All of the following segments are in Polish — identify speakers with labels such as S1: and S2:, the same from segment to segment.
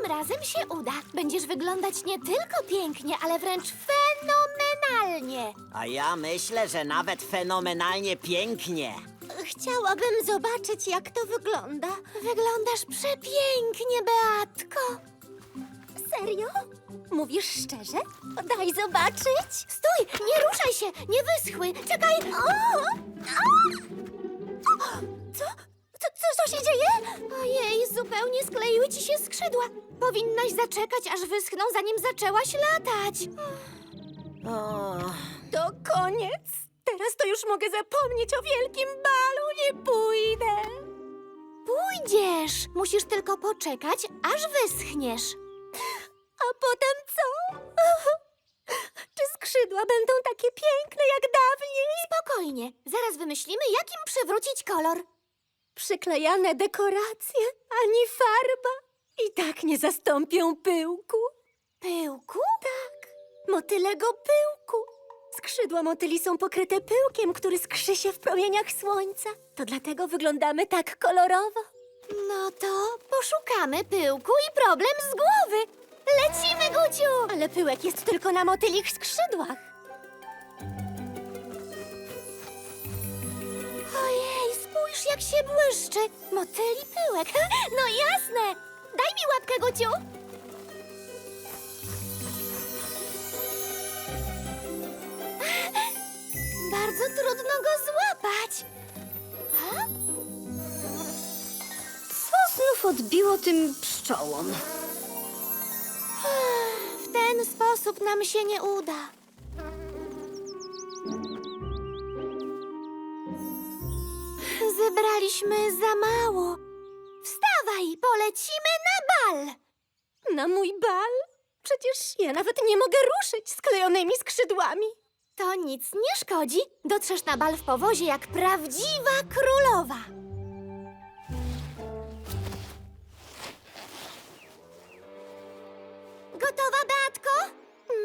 S1: razem się uda. Będziesz wyglądać nie tylko pięknie, ale wręcz fenomenalnie.
S2: A ja myślę, że nawet fenomenalnie pięknie.
S1: Chciałabym zobaczyć, jak to wygląda. Wyglądasz przepięknie, Beatko. Serio? Mówisz szczerze? Daj zobaczyć. Stój, nie ruszaj się, nie wyschły. Czekaj. Co się dzieje? Ojej, zupełnie skleiły ci się skrzydła. Powinnaś zaczekać, aż wyschną, zanim zaczęłaś latać.
S2: O,
S1: To koniec. Teraz to już mogę zapomnieć o wielkim balu. Nie pójdę. Pójdziesz. Musisz tylko poczekać, aż wyschniesz. A potem co? Czy skrzydła będą takie piękne jak dawniej? Spokojnie. Zaraz wymyślimy, jak im przywrócić kolor. Przyklejane dekoracje, ani farba. I tak nie zastąpią pyłku. Pyłku? Tak, motylego pyłku. Skrzydła motyli są pokryte pyłkiem, który skrzy się w promieniach słońca. To dlatego wyglądamy tak kolorowo. No to poszukamy pyłku i problem z głowy. Lecimy, Guciu! Ale pyłek jest tylko na motylich skrzydłach. Ojej, spójrz, jak się błyszczy. Motyli pyłek. No jasne. Daj mi łapkę, Guciu. Bardzo trudno go złapać. A?
S3: Co znów odbiło tym pszczołom?
S1: W ten sposób nam się nie uda. Zebraliśmy za mało. Wstawaj, polecimy na bal. Na mój bal? Przecież ja nawet nie mogę ruszyć sklejonymi skrzydłami. To nic nie szkodzi. Dotrzesz na bal w powozie jak prawdziwa królowa. Gotowa, Beatko?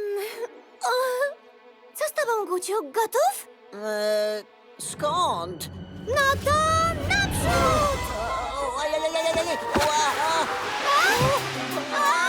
S1: Co z tobą, Guciu? Gotów?
S2: skąd?
S1: No to naprzód!
S2: O, ajajajajaj, ła, a.
S1: A!